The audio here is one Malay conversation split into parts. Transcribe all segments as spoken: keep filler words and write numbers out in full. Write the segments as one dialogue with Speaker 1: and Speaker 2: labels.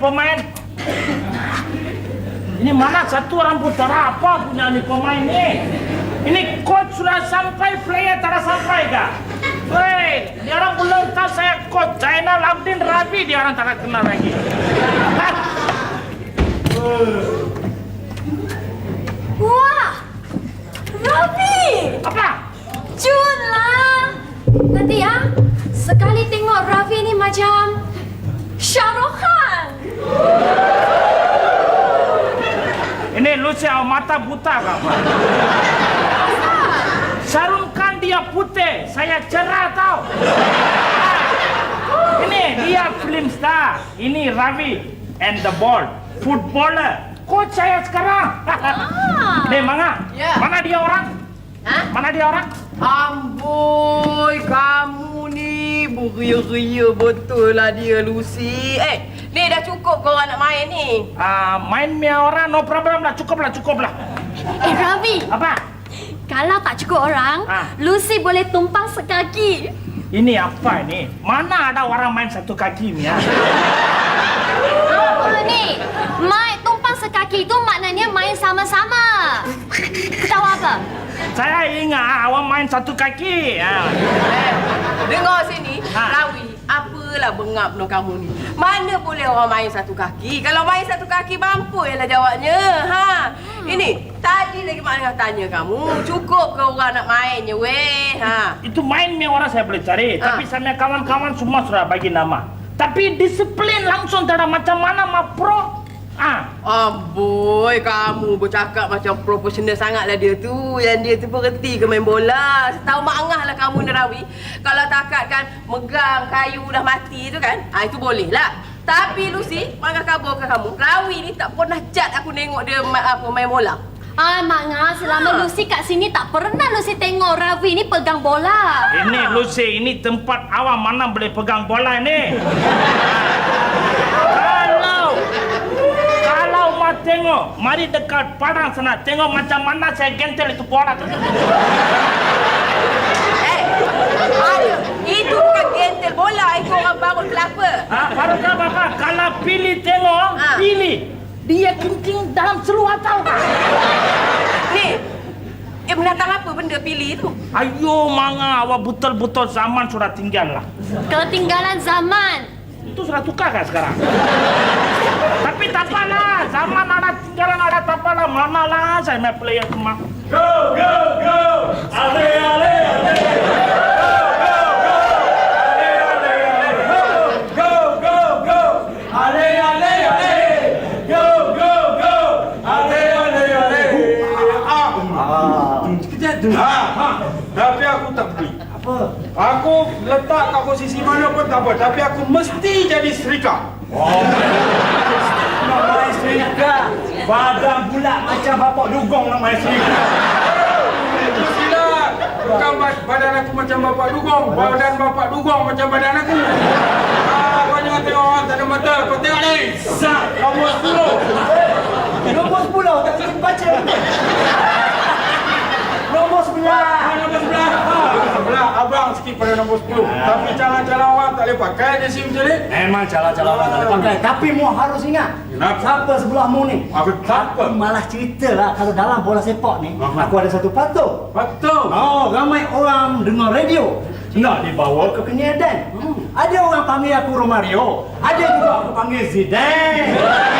Speaker 1: pemain. Ini mana satu rambut darah apa punya ni pemain ni? Ini coach sudah sampai, player tak sampai kah? Weh, dia orang belum tahu saya coach Zainal Abidin Rabi, dia orang tak kenal lagi.
Speaker 2: Wah, Rabi!
Speaker 1: Apa?
Speaker 2: Jun lah. Nanti ya, sekali tengok Rabi ni macam Shah Rukh Khan.
Speaker 1: Ini lu siapa mata buta kah? Shah Rukh Khan dia putih, saya cerah tau. Ini dia film star, ini Ravi and the ball, footballer. Coach saya sekarang.
Speaker 2: Ah.
Speaker 1: Nih, Manga.
Speaker 3: Ya.
Speaker 1: Mana dia orang?
Speaker 3: Hah?
Speaker 1: Mana dia orang?
Speaker 3: Amboi, kamu ni beria-ria betul lah dia, Lucy. Eh, ni dah cukup kau orang nak main ni.
Speaker 1: Ah, main mia orang, no problem lah, cukup lah, cukup lah.
Speaker 2: Eh, Ravi.
Speaker 1: Apa?
Speaker 2: Kalau tak cukup orang,
Speaker 1: Ah.
Speaker 2: Lucy boleh tumpang sekaki.
Speaker 1: Ini apa ini? Mana ada orang main satu kaki Mia?
Speaker 2: Apa ni? Main tumpang sekaki itu maknanya main sama-sama. Tahu apa?
Speaker 1: Saya ingat awak main satu kaki. Ah.
Speaker 3: Eh, dengar sini,
Speaker 1: Ha.
Speaker 3: Rawi, apalah bengap no kamu ni. Mana boleh orang main satu kaki? Kalau main satu kaki, mampu ialah jawabnya. Ha. Hmm. Ini, tadi lagi mak Angah tanya kamu, cukup ke orang nak mainnya, weh? Ha.
Speaker 1: Itu main Mia orang saya boleh cari,
Speaker 3: Ah.
Speaker 1: tapi saya kawan-kawan semua sudah bagi nama. Tapi disiplin langsung tak ada macam mana ma pro. Ah.
Speaker 3: Amboi, kamu bercakap macam profesional sangatlah dia tu. Yang dia tu berhenti ke main bola. Setahu Mak Angah lah kamu ni, Rawi. Kalau takat kan megang kayu dah mati tu kan, ah, itu boleh lah. Tapi Lucy, Mak Angah kabarkan kamu, Rawi ni tak pernah cat aku tengok dia ma- apa, main bola.
Speaker 2: Ah, Mak Ngah, selama
Speaker 3: Ha.
Speaker 2: Lucy kat sini tak pernah Lucy tengok Ravi ni pegang bola.
Speaker 1: Ini Lucy, ini tempat awak mana boleh pegang bola ini? Kalau kalau mau tengok, mari dekat padang sana, tengok macam mana saya gentel itu bola tu.
Speaker 3: Eh, ada. Itu bukan gentel bola, itu orang bangun kelapa.
Speaker 1: Ah, baru kau apa? Kalau pilih tengok,
Speaker 3: Ah.
Speaker 1: pilih. Dia kencing dalam seluar tahu tak?
Speaker 3: Ni, eh menatang apa benda pilih tu?
Speaker 1: Ayo Manga, awak betul-betul zaman sudah tinggal lah.
Speaker 2: Ketinggalan zaman.
Speaker 1: Itu sudah tukar kan sekarang? Tapi tak apalah, zaman ada tinggalan ada tak apalah. Mana lah saya main player semua.
Speaker 4: Go, go, go! Ale, ale, ale! Go, go, go! Ale, ale, ale! Go, go, go! Ale, ale, ale! Go, go, go! Ale, ale, ale! Ah, sekejap tu. Ha, ha. Tapi aku tak pergi. Apa? Aku letak kat posisi mana pun tak apa. Tapi aku mesti jadi serika. Oh. Nak main serika. Badan bulat macam bapak dugong nak main serika. Itu silap. Bukan badan aku macam bapak dugong. Badan bapak dugong macam badan aku. Ah, kau jangan tengok orang tak ada mata. Kau tengok ni. Sat. Nombor sepuluh. Nombor sepuluh. Tak boleh baca. Nombor sebelah. Ah, nombor sebelah. Ah, sebelah. Abang sikit pada nombor sepuluh. Tapi calon-calon orang tak boleh pakai jersey macam ni.
Speaker 5: Memang calon-calon orang tak boleh pakai. Tapi mu harus ingat.
Speaker 4: Kenapa?
Speaker 5: Siapa sebelahmu ni?
Speaker 4: Aku siapa?
Speaker 5: Aku malah cerita lah kalau dalam bola sepak ni,
Speaker 4: Aha.
Speaker 5: aku ada satu patung.
Speaker 4: Betul.
Speaker 5: Oh, ramai orang dengar radio. Nak dibawa ke Kenyadan. Hmm. Ada orang panggil aku Romario. Ada juga aku panggil Zidane.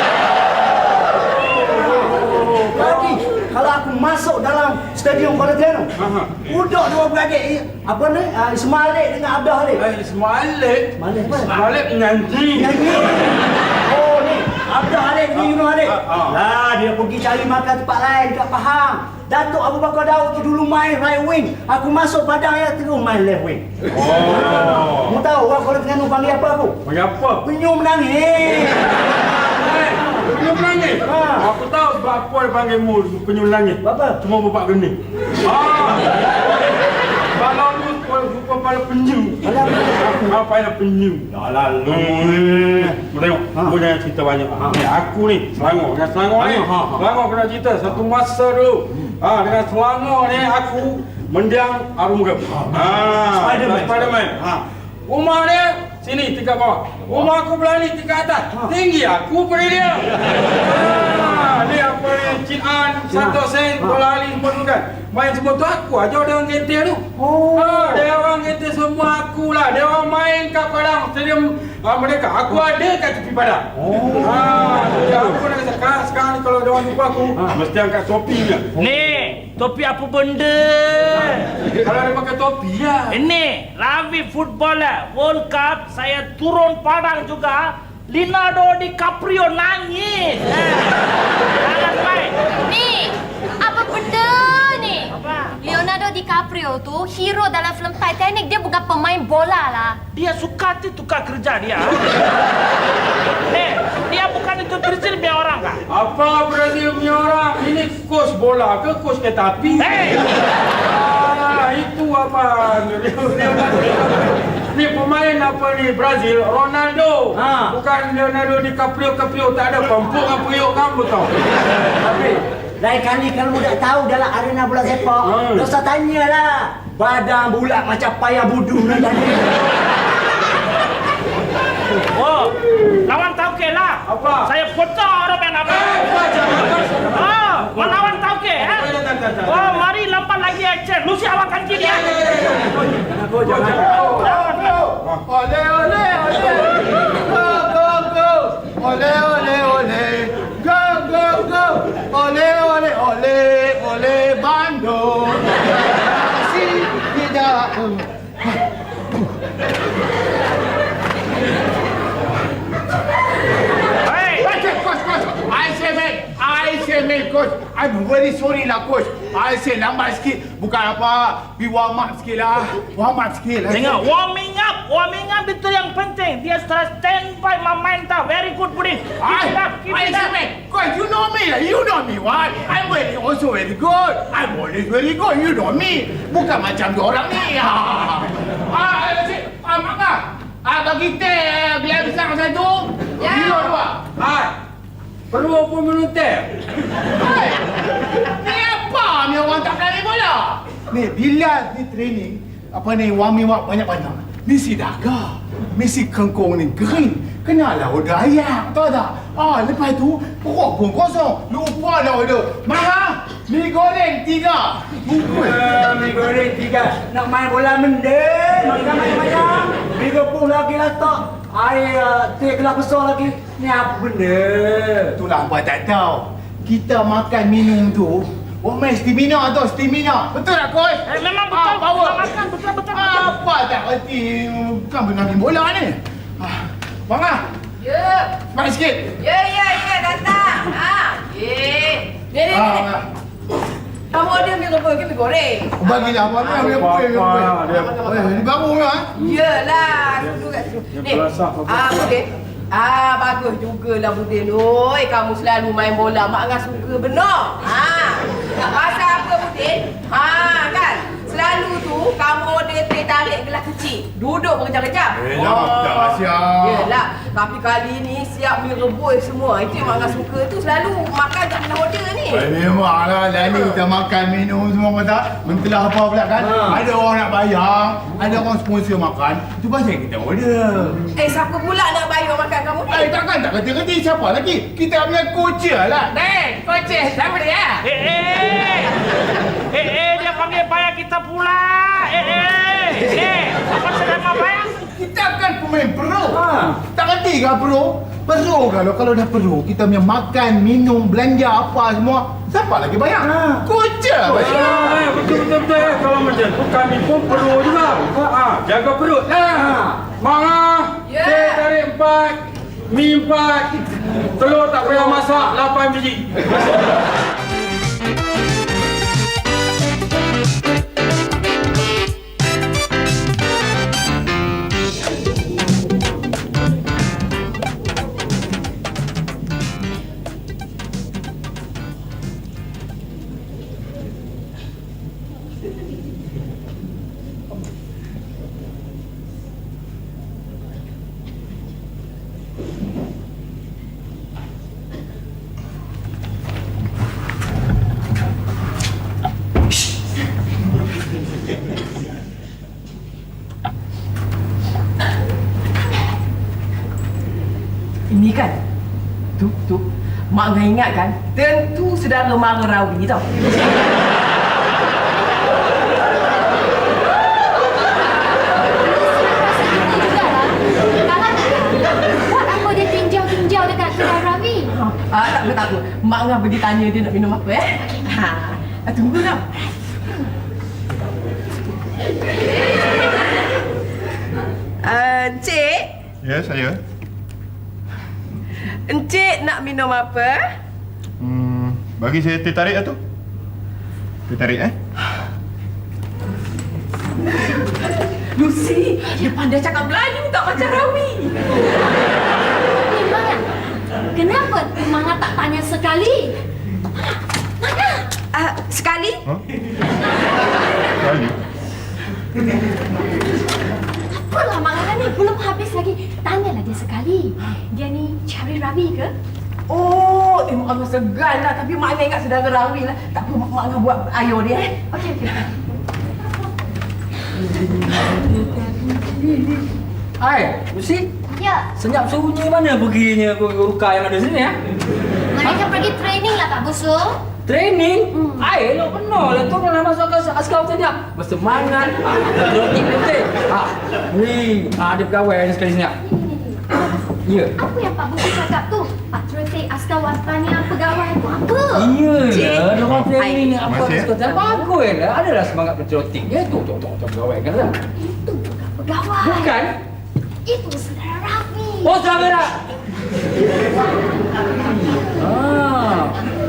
Speaker 5: Lagi, kalau aku masuk dalam stadium Kuala Terengganu,
Speaker 4: Aha.
Speaker 5: budak dua beradik, eh, apa ni? Uh, Ismail Alik dengan Abdah Alik.
Speaker 4: Eh, Ismail Alik.
Speaker 5: Ismail Alik apa?
Speaker 4: Ismail Alik menyanyi.
Speaker 5: Nyanyi. Oh ni, Abdah Alik ni Yunuh Alik.
Speaker 4: Ah, ah.
Speaker 5: Lah dia pergi cari makan tempat lain dekat Pahang. Datuk Abu Bakar Daud tu dulu main right wing. Aku masuk Padang ya terus main left wing.
Speaker 4: Oh.
Speaker 5: Mu tahu orang Kuala Terengganu panggil apa aku?
Speaker 4: Panggil apa?
Speaker 5: Penyum menangis.
Speaker 4: Eh, penyum langit.
Speaker 5: Ha.
Speaker 4: Aku tahu sebab apa dia panggil mu penyum langit.
Speaker 5: Apa?
Speaker 4: Cuma bapak geni. Ah. Kalau lu rupa pada penyu.
Speaker 5: Alah,
Speaker 4: Apa yang penyu? Dah lalu. Hmm. Tengok,
Speaker 5: Ha.
Speaker 4: aku jangan cerita banyak. Ha. Ni aku ni Selangor. Dengan Selangor ni.
Speaker 5: Ha, ha, ha.
Speaker 4: Selangor kena cerita satu masa dulu. Ah, dengan Selangor ni aku mendiang Arumugam. Ah,
Speaker 5: Spiderman.
Speaker 4: Spiderman. Ha. Rumah dia sini tingkat bawah. Rumah aku belah ni tingkat atas. Tinggi aku pada dia. Ha, dia apa ni? Cik An, Santo Sen, Bola Ali semua tu kan. Main semua tu aku aja dia orang kereta tu.
Speaker 5: Oh.
Speaker 4: Ha, dia orang kereta semua aku lah. Dia orang main kat padang stadium ha, mereka. Aku ada kat tepi padang. Oh. Ha, jadi aku nak kata sekarang, sekarang ni kalau dia orang jumpa aku, ha, mesti angkat topi je.
Speaker 1: Ni, topi apa benda?
Speaker 4: Kalau dia pakai topi lah.
Speaker 1: Ini, Ravi footballer World Cup, saya turun padang juga. Leonardo DiCaprio nangis. Jangan main.
Speaker 2: Ni, apa benda ni?
Speaker 1: Apa?
Speaker 2: Leonardo DiCaprio tu hero dalam filem Titanic. Dia bukan pemain bola lah.
Speaker 1: Dia suka tu tukar kerja dia. Eh, dia bukan itu Brazil punya orang kah?
Speaker 4: Apa Brazil punya orang? Ini coach bola ke coach kereta api?
Speaker 1: Hei!
Speaker 4: Ah, itu apa? Ni pemain apa ni Brazil? Ronaldo.
Speaker 5: Ha.
Speaker 4: Bukan Leonardo DiCaprio, Caprio tak ada pempuk apa periuk kamu tahu.
Speaker 5: Tapi lain kali kalau tak tahu dalam arena bola sepak,
Speaker 4: Hmm.
Speaker 5: tak usah tanyalah. Badan bulat macam payah budu nak jadi.
Speaker 1: Oh, lawan Tauke lah.
Speaker 4: Apa?
Speaker 1: Saya potong orang main apa?
Speaker 4: Eh, baca.
Speaker 1: Oh, melawan Tauke, eh?
Speaker 4: Tak, tak, tak, tak.
Speaker 1: Oh, mari lambat lagi action. Lu siapa kan kiri ya?
Speaker 5: Aku jangan.
Speaker 6: Ole ole ole, go go go, ole ole ole, go go go, ole ole ole, ole Bandung. Si tidak.
Speaker 1: Hey,
Speaker 6: Coach, coach, coach. I say man, I say man, coach. I'm very sorry lah, coach. I say lambat sikit. Bukan apa, we warm up sikit lah. Warm up sikit lah.
Speaker 1: tengok warming up, warming up itu yang penting. Dia sudah standby memain tak. Very good putting. Keep
Speaker 6: I,
Speaker 1: it up, keep
Speaker 6: I
Speaker 1: it
Speaker 6: say
Speaker 1: up.
Speaker 6: man, coach, you know me lah. You know me, what? I'm very, also very good. I'm always very good. You know me. Bukan macam diorang ni. Ah, ah, si, ah, Maka. Ah, bagi teh gelas besar satu.
Speaker 2: Ya.
Speaker 6: Kilo dua.
Speaker 4: Hai. Perlu apa minum teh?
Speaker 6: Hai. Ni apa ni orang tak berani bola? Ni bila ni training, apa ni warming up banyak-banyak. Ni si daga. Mesti kengkong ni kering. Kenalah order ayam, tahu tak? Ah, lepas tu perut pun kosong. Lupa dah order. Marah. Mi goreng tiga. Bungkus.
Speaker 5: Eh, mi goreng tiga. Nak main bola mendek. Makan macam-macam. Tiga puluh lagi lah tak. Air uh, teh gelas besar lagi. Ni apa benda?
Speaker 6: Itulah apa tak tahu. Kita makan minum tu, oh main stamina tu, stamina. Betul tak, coach?
Speaker 1: Eh, memang betul.
Speaker 6: Ah, power.
Speaker 1: Kita makan betul betul. betul.
Speaker 6: Apa tak erti kan benar main bola ni? Ah, Bang ah,
Speaker 3: Ya.
Speaker 6: smart sikit.
Speaker 3: Ya, ya, ya, datang. Ha. Ye. Ni, ni,
Speaker 6: Ah,
Speaker 3: ni.
Speaker 6: ah.
Speaker 3: Kamu ada mi rebus ke mi goreng?
Speaker 6: Oh, bagilah apa ni ambil
Speaker 4: Apa,
Speaker 6: kuih, ambil kuih.
Speaker 4: apa, dia-
Speaker 6: Eh, ni baru ah.
Speaker 3: Yalah, duduk kat situ. Ni.
Speaker 4: belasak apa?
Speaker 3: Ah, Budin. Ah, bagus jugalah Budin. Oi, kamu selalu main bola. Mak Angah suka benar. Ha. Pasal apa Budin? Ha, kan? Selalu tu kamu order teh tarik gelas kecil. Duduk berkejap-kejap.
Speaker 6: Eh, jangan tak siap.
Speaker 3: Yelah, tapi kali ni siap mi rebus semua. Itu yang Mak Angah suka tu. Selalu makan tak kena order ni.
Speaker 6: Eh, memanglah dah ni kita makan minum semua apa tak? Mentelah apa pula kan?
Speaker 5: Ha.
Speaker 6: Ada orang nak bayar, ada orang sponsor makan. Itu pasal kita order.
Speaker 3: Eh, siapa pula nak bayar makan kamu ni?
Speaker 6: Eh, takkan tak kata-kata siapa lagi? Kita punya coach lah.
Speaker 3: Eh, kocek, siapa dia?
Speaker 1: Eh, eh. Eh, eh, dia panggil bayar kita pula. Eh, eh. Eh, apa sedang mau bayar?
Speaker 6: Kita kan pemain pro.
Speaker 5: Ha.
Speaker 6: Tak kerti ke pro? Pro kalau kalau dah pro, kita punya makan, minum, belanja apa semua. Siapa lagi bayar?
Speaker 5: Ha.
Speaker 6: Coach lah bayar.
Speaker 4: Ah, eh, betul betul betul. Kalau macam tu kami pun perlu juga. Ah, jaga perut. Ah, Mama,
Speaker 3: Ya.
Speaker 4: teh tarik empat, mi empat, telur tak payah masak lapan biji.
Speaker 3: Ini kan, tu, tu, Mak Angah ingat kan, tentu saudara mara Rawi tau.
Speaker 2: Buat apa dia tinjau-tinjau dekat kedai Ravi?
Speaker 3: Ah, tak apa, tak apa. Mak Angah pergi tanya dia nak minum apa eh. Ha, ah, tunggu tau. Uh, Encik,
Speaker 7: Ya, saya.
Speaker 3: Encik nak minum apa?
Speaker 7: Hmm, bagi saya teh tarik lah tu. Teh tarik eh?
Speaker 3: Lucy, dia pandai cakap Melayu tak macam Rawi.
Speaker 2: Memang kan? Kenapa Manga tak tanya sekali? Mana?
Speaker 3: Uh, sekali?
Speaker 7: Ha? Kali.
Speaker 2: Apalah Manga ni belum habis lagi. Tanyalah dia sekali. Dia ni cari Ravi ke?
Speaker 3: Oh, eh, Mak Angah segan lah. Tapi Mak Angah ingat saudara Rawi lah. Tak apa, Mak Mak Angah buat ayo dia eh.
Speaker 2: Okey, okey.
Speaker 8: Hai, Lucy.
Speaker 2: Ya,
Speaker 8: Senyap sunyi mana perginya Ruka yang ada sini ya?
Speaker 2: mereka pergi training lah Pak Busu.
Speaker 8: Training?
Speaker 2: Hmm.
Speaker 8: Hai, elok benar lah tu kalau masuk ke askar senyap. Bersemangat. Ah, patriotik betul. Ah, ni, ah ada pegawai ada sekali senyap. Ya.
Speaker 2: Apa yang Pak Busu cakap tu? Patriotik askar watania pegawai tu apa?
Speaker 8: Iya
Speaker 3: Cik.
Speaker 8: lah, dia orang training ni apa
Speaker 7: Masih?
Speaker 8: askar senyap. Bagus lah, adalah semangat patriotik. Ya, tu, tu, tu, tu, pegawai kan lah.
Speaker 2: Itu bukan pegawai.
Speaker 8: Bukan?
Speaker 2: Itu saudara Ravi.
Speaker 8: Oh, saudara. Ah.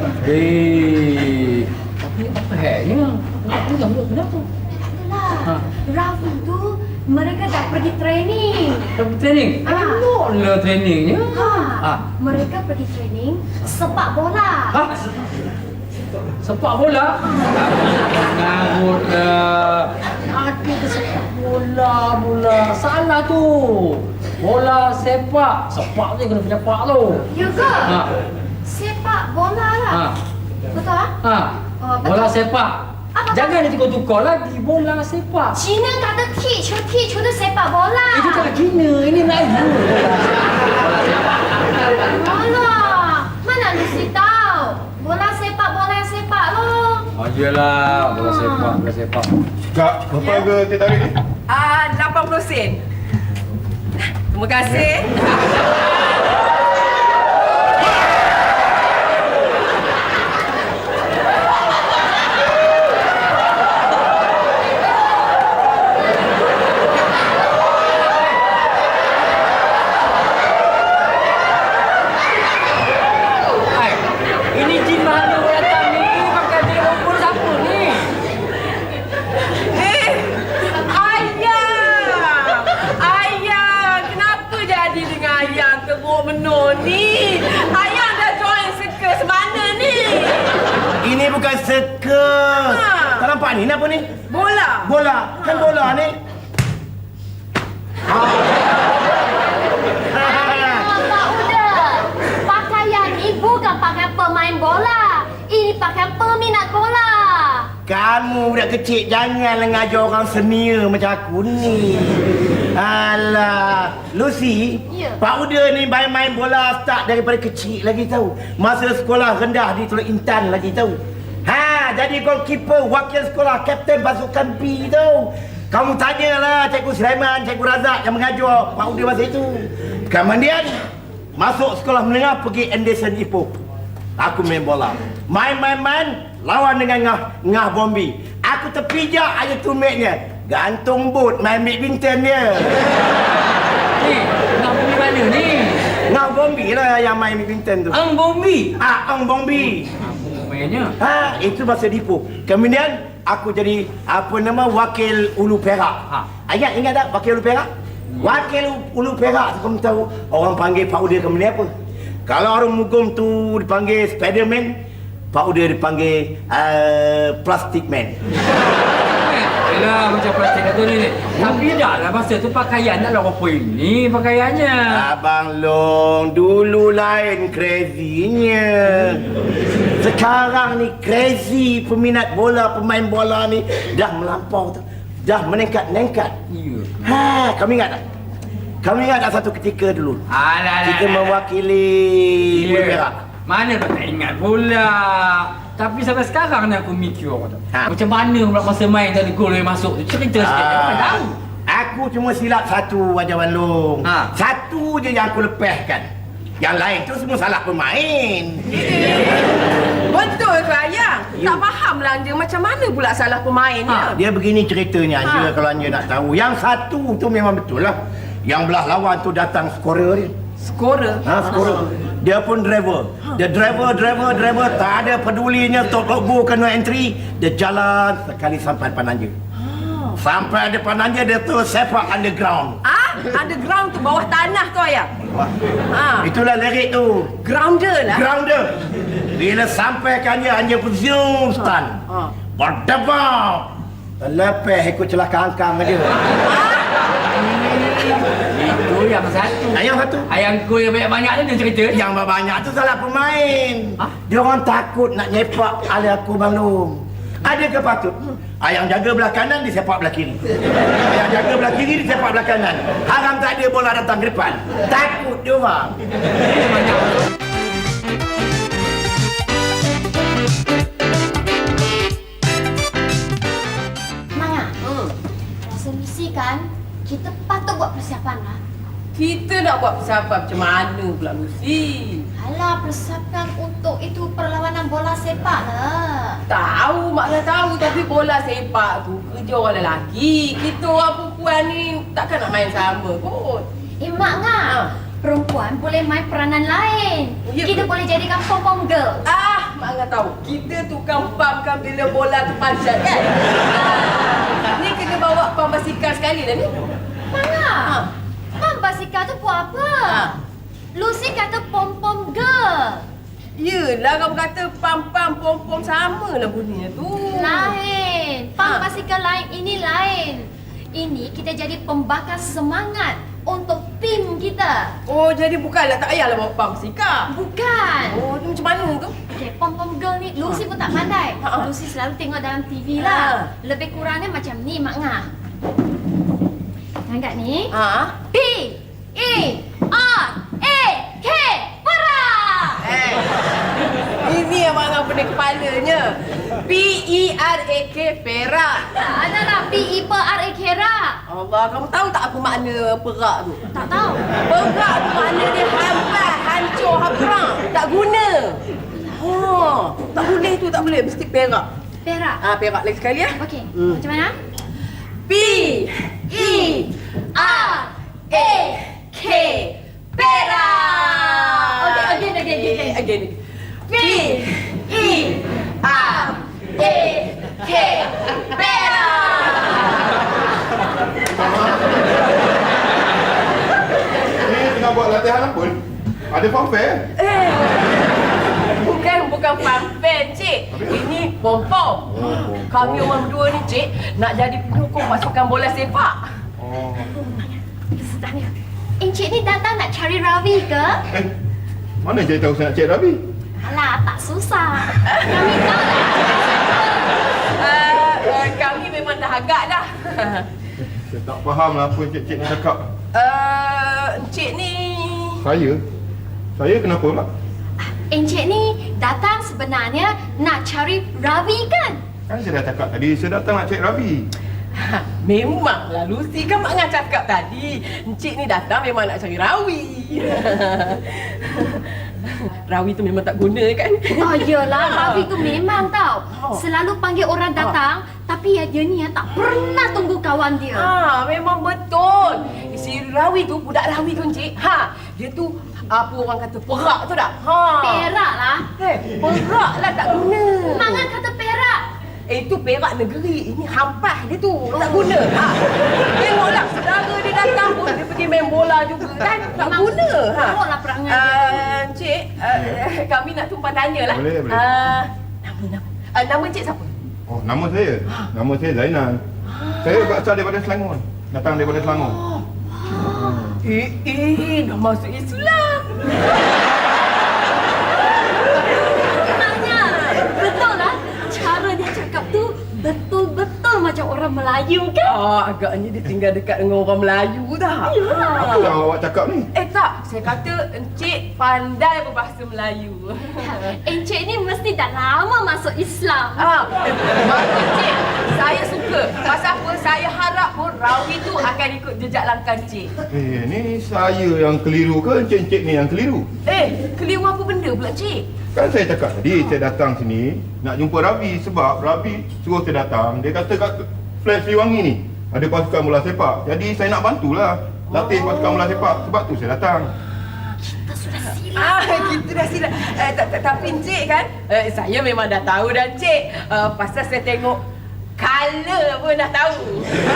Speaker 8: Eh. Tapi apa heknya? Kenapa? Kenapa? Kenapa?
Speaker 2: Itulah.
Speaker 8: Ha.
Speaker 2: Ravi tu mereka dah pergi training.
Speaker 8: Pergi training?
Speaker 2: Ah.
Speaker 8: Elok lah trainingnya.
Speaker 2: Ha.
Speaker 8: Ah.
Speaker 2: Mereka pergi training sepak bola.
Speaker 8: Ha? Sepak bola? Ngarut lah. Ada ke sepak bola, bola. Salah tu. Bola sepak. Sepak tu kena penyepak tu.
Speaker 2: Ya ke?
Speaker 8: Ha.
Speaker 2: Sepak bola lah.
Speaker 8: Ha.
Speaker 2: Betul ah?
Speaker 8: Ha.
Speaker 2: Oh, betul.
Speaker 8: Bola sepak.
Speaker 2: Apa?
Speaker 8: Jangan dia tukar-tukar lagi. Bola sepak.
Speaker 2: Cina kata teach, teach tu sepak bola.
Speaker 8: Itu tak Cina. Ini Melayu. Bola sepak.
Speaker 2: Alah, mana Lucy tahu? Bola sepak, bola yang sepak loh.
Speaker 8: Oh, iyalah. Bola sepak, bola sepak.
Speaker 7: Kak, berapa harga teh tarik ni?
Speaker 3: Ah, lapan puluh sen. Terima kasih.
Speaker 8: Hai, ini jin mana orang datang ni? Pakai dia rumput siapa ni?
Speaker 3: Eh, ayah! Ayah! Kenapa jadi dengan ayah teruk menor ni? Ayah dah join circus mana ni?
Speaker 5: Ini bukan circus.
Speaker 3: Ha.
Speaker 5: Tak nampak ni? Ni apa ni?
Speaker 3: Bola.
Speaker 5: Bola. Kan bola ni.
Speaker 2: Oh, Pak Uda, pakaian ni bukan pakaian pemain bola. Ini pakaian peminat bola.
Speaker 5: Kamu budak kecil janganlah ngajar orang senior macam aku ni. Alah, Lucy,
Speaker 2: Ya.
Speaker 5: Pak Uda ni main-main bola start daripada kecil lagi tahu. Masa sekolah rendah di Teluk Intan lagi tahu. Ha, jadi goalkeeper wakil sekolah, kapten pasukan B tahu. Kamu tanyalah Cikgu Sulaiman, Cikgu Razak yang mengajar Pak Uda masa itu. Kemudian masuk sekolah menengah pergi Anderson Ipoh. Aku main bola. Main-main-main lawan dengan Ngah, Ngah Bombi. Aku terpijak aja tumitnya. Gantung boot main badminton dia.
Speaker 8: Ni, nak pergi mana ni?
Speaker 5: Ngah Bombi lah yang main badminton tu.
Speaker 8: Ang Bombi.
Speaker 5: Ah, Ang Bombi.
Speaker 8: Apa mainnya?
Speaker 5: Ha, itu masa Dipo. Kemudian aku jadi apa nama wakil Ulu Perak.
Speaker 8: Ha.
Speaker 5: Ingat ingat tak wakil Ulu Perak? Wakil Ulu Perak tu kamu tahu orang panggil Pak Uda kemudian apa? Kalau orang Mugum tu dipanggil Spiderman, Pak Uda dipanggil uh, Plastic Man.
Speaker 8: Yelah, macam plastik tu ni. Tapi dah lah masa tu pakaian nak lah apa ini pakaiannya.
Speaker 5: Abang Long, dulu lain crazy-nya. Sekarang ni crazy peminat bola, pemain bola ni dah melampau tu. Dah meningkat-ningkat.
Speaker 8: Ya.
Speaker 5: Ha, kamu ingat tak? Kamu ingat tak satu ketika dulu?
Speaker 8: Alah,
Speaker 5: Kita mewakili Bola Merah.
Speaker 8: Mana kau tak ingat pula. Tapi sampai sekarang ni aku mikir tau.
Speaker 5: Ha.
Speaker 8: Macam mana pula masa main tadi gol yang masuk tu. Cerita sikit. Aku tak tahu.
Speaker 5: Aku cuma silap satu, Wajah Walung.
Speaker 8: Ha.
Speaker 5: Satu je yang aku lepaskan. Yang lain tu semua salah pemain.
Speaker 3: Betul ke Ayang? Tak faham lah Anja macam mana pula salah pemain
Speaker 8: Ha.
Speaker 3: dia.
Speaker 5: Dia begini ceritanya Anja,
Speaker 3: Ha.
Speaker 5: kalau Anja nak tahu. Yang satu tu memang betul lah. Yang belah lawan tu datang skorer dia.
Speaker 3: Skorer.
Speaker 5: Ha, skorer. Dia pun driver. Dia driver, driver, driver. Tak ada pedulinya top logo kena entry. Dia jalan sekali sampai depan Anja. Sampai depan Anja dia tu sepak underground.
Speaker 3: Ah, underground tu bawah tanah tu Ayang.
Speaker 5: Wah.
Speaker 3: Ha.
Speaker 5: Itulah lirik tu.
Speaker 3: Grounder lah.
Speaker 5: Grounder. Bila sampai ke Anja, Anja pun zoom stun.
Speaker 3: Ha.
Speaker 5: Berdebak. Terlepas ikut celaka angkang dia.
Speaker 8: Itu yang satu.
Speaker 5: Yang satu.
Speaker 8: Ayang gol yang banyak-banyak tu dia cerita.
Speaker 5: Yang banyak tu salah pemain.
Speaker 8: Ha?
Speaker 5: Dia orang takut nak nyepak ali aku Balung. Ada ke patut? Ayang jaga belah kanan, dia sepak belah kiri. Ayang jaga belah kiri, dia sepak belah kanan. Haram tak ada bola datang ke depan. Takut dia orang.
Speaker 2: Maya,
Speaker 3: Hmm.
Speaker 2: resolusi kan kita patut buat persiapan lah.
Speaker 3: Kita nak buat persiapan macam mana pula Lucy?
Speaker 2: Alah, persiapan untuk itu perlawanan bola sepak lah.
Speaker 3: Tahu, Mak dah tahu tapi bola sepak tu kerja orang lelaki. Kita orang perempuan ni takkan nak main sama kot.
Speaker 2: Eh, Mak ngah.
Speaker 3: Ha.
Speaker 2: Perempuan boleh main peranan lain.
Speaker 3: Ya,
Speaker 2: Kita
Speaker 3: betul.
Speaker 2: boleh jadikan pom-pom girl.
Speaker 3: Ah, Mak Angah tahu. Kita tukang pamkan bila bola tu panjat kan? Ah, ni kena bawa pam basikal sekali dah ni.
Speaker 2: Mana?
Speaker 3: Ha.
Speaker 2: Mam basikal tu buat apa?
Speaker 3: Ha.
Speaker 2: Lucy kata pom-pom girl.
Speaker 3: Yelah, kamu kata pam-pam pom-pom sama lah bunyinya tu.
Speaker 2: Lain. Pam
Speaker 3: Ha.
Speaker 2: basikal lain, ini lain. Ini kita jadi pembakar semangat untuk tim kita.
Speaker 3: Oh, jadi bukanlah tak payahlah bawa pam basikal.
Speaker 2: Bukan.
Speaker 3: Oh, tu macam mana tu?
Speaker 2: Okay, pom-pom girl ni Lucy pun tak pandai.
Speaker 3: Ha, ha.
Speaker 2: Lucy selalu tengok dalam T V
Speaker 3: Ha.
Speaker 2: lah. Lebih kurangnya macam ni, Mak Ngah. Nampak ni?
Speaker 3: Ha?
Speaker 2: P E R A K Perak.
Speaker 3: Eh. Ini yang Mak Angah pening kepalanya. P E R A K Perak.
Speaker 2: Tak ada lah P E P R A K Perak.
Speaker 3: Allah, kamu tahu tak apa makna perak tu?
Speaker 2: Tak tahu.
Speaker 3: Perak tu makna dia hampas, hancur, habrang. Tak guna. Oh, tak boleh tu, tak boleh. Mesti perak.
Speaker 2: Perak.
Speaker 3: Ah, perak lagi sekali ya.
Speaker 2: Okey.
Speaker 3: Hmm.
Speaker 2: Macam mana?
Speaker 3: P E
Speaker 2: R
Speaker 3: A K Perak.
Speaker 2: Okey, again, again, again.
Speaker 3: Again. P E R A K Perak.
Speaker 7: Ni tengah buat latihan apa? Ada fanfare?
Speaker 3: Eh, bukan bukan fanfare, Cik. Ini pom-pom. Kami orang berdua ni, Cik, nak jadi penyokong pasukan bola sepak.
Speaker 7: Oh.
Speaker 2: Sedangnya. Encik ni datang nak cari Ravi ke?
Speaker 7: Eh, mana saya tahu saya nak cek Rabi?
Speaker 2: Alah, tak susah. Kami tahu lah.
Speaker 3: Uh, uh, kami memang dah agak dah.
Speaker 7: Saya tak faham lah apa cik-cik ni cakap.
Speaker 3: Uh, Encik ni...
Speaker 7: Saya? Saya kenapa pula?
Speaker 2: Encik ni datang sebenarnya nak cari Ravi kan?
Speaker 7: Kan saya dah cakap tadi, saya datang nak cek Rabi.
Speaker 3: Ha, memanglah Lucy kan Mak Ngah cakap tadi. Encik ni datang memang nak cari Rawi. Rawi tu memang tak guna kan?
Speaker 2: Oh iyalah, Ravi tu memang tau.
Speaker 3: Oh.
Speaker 2: Selalu panggil orang datang, tapi ya dia ni ya tak pernah tunggu kawan dia.
Speaker 3: Ha, memang betul. Si Rawi tu, budak Rawi tu Encik. Ha, dia tu apa orang kata perak tu tak? Ha.
Speaker 2: Perak lah.
Speaker 3: Eh, perak lah tak guna.
Speaker 2: Mangan kata perak.
Speaker 3: Eh, itu perak negeri. Ini hampas dia tu. Tak guna. Ha. Tengoklah, saudara dia datang pun dia pergi main bola juga kan. Tak
Speaker 2: Memang
Speaker 3: guna. Ha.
Speaker 2: teruklah perangai dia.
Speaker 3: Uh, Encik, uh, kami nak tumpang tanya lah.
Speaker 7: Boleh, boleh.
Speaker 3: Uh, nama, nama. Uh, nama Encik siapa?
Speaker 7: Oh, nama saya? Nama saya Zainal. Saya berasal daripada Selangor. Datang daripada Selangor.
Speaker 3: Eh, eh, dah masuk Islam.
Speaker 2: Maknanya, betul lah. Cara dia cakap tu betul-betul macam orang Melayu kan?
Speaker 3: Ah, agaknya dia tinggal dekat dengan orang Melayu dah.
Speaker 7: Apa yang awak cakap ni?
Speaker 3: Eh tak, saya kata Encik pandai berbahasa Melayu.
Speaker 2: Encik ni mesti dah lama masuk Islam.
Speaker 3: Ah, eh, bagus Encik. Saya suka. Pasal apa? Saya harap pun Rawi tu akan ikut jejak langkah Encik.
Speaker 7: Eh, ni saya yang keliru ke encik-encik ni yang keliru?
Speaker 3: Eh, keliru apa benda pula Encik?
Speaker 7: Kan saya cakap tadi, saya datang sini nak jumpa Rabi sebab Rabi suruh saya datang. Dia kata kat flat Sriwangi ni ada pasukan bola sepak. Jadi saya nak bantulah latih pasukan bola sepak. Sebab tu saya datang.
Speaker 3: Ah, kita dah silap. Eh, ta- ta- tapi Encik kan, eh, saya memang dah tahu dah Encik. Uh, pasal saya tengok color pun dah tahu.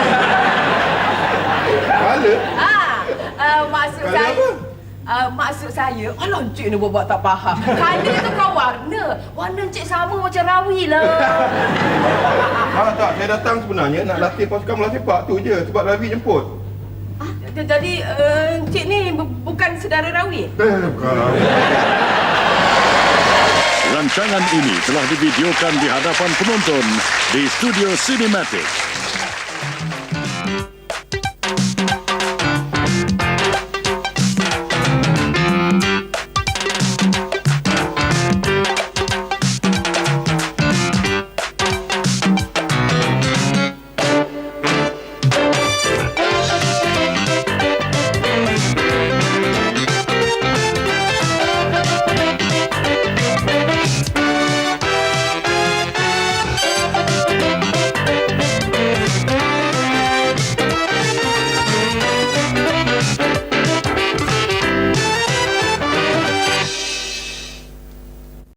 Speaker 7: Kala?
Speaker 3: Ah, uh, maksud
Speaker 7: Colour
Speaker 3: saya...
Speaker 7: apa?
Speaker 3: Uh, maksud saya, alah Encik ni buat tak faham. Color tu kan warna. Warna Encik sama macam Rawi lah.
Speaker 7: Ah, tak, saya datang sebenarnya nak latih pasukan bola sepak tu je. Sebab Rabi jemput.
Speaker 3: Jadi, uh, Encik ni bu- bukan saudara Rawi?
Speaker 7: Eh, bukan.
Speaker 9: Rancangan ini telah divideokan di hadapan penonton di Studio Cinematic.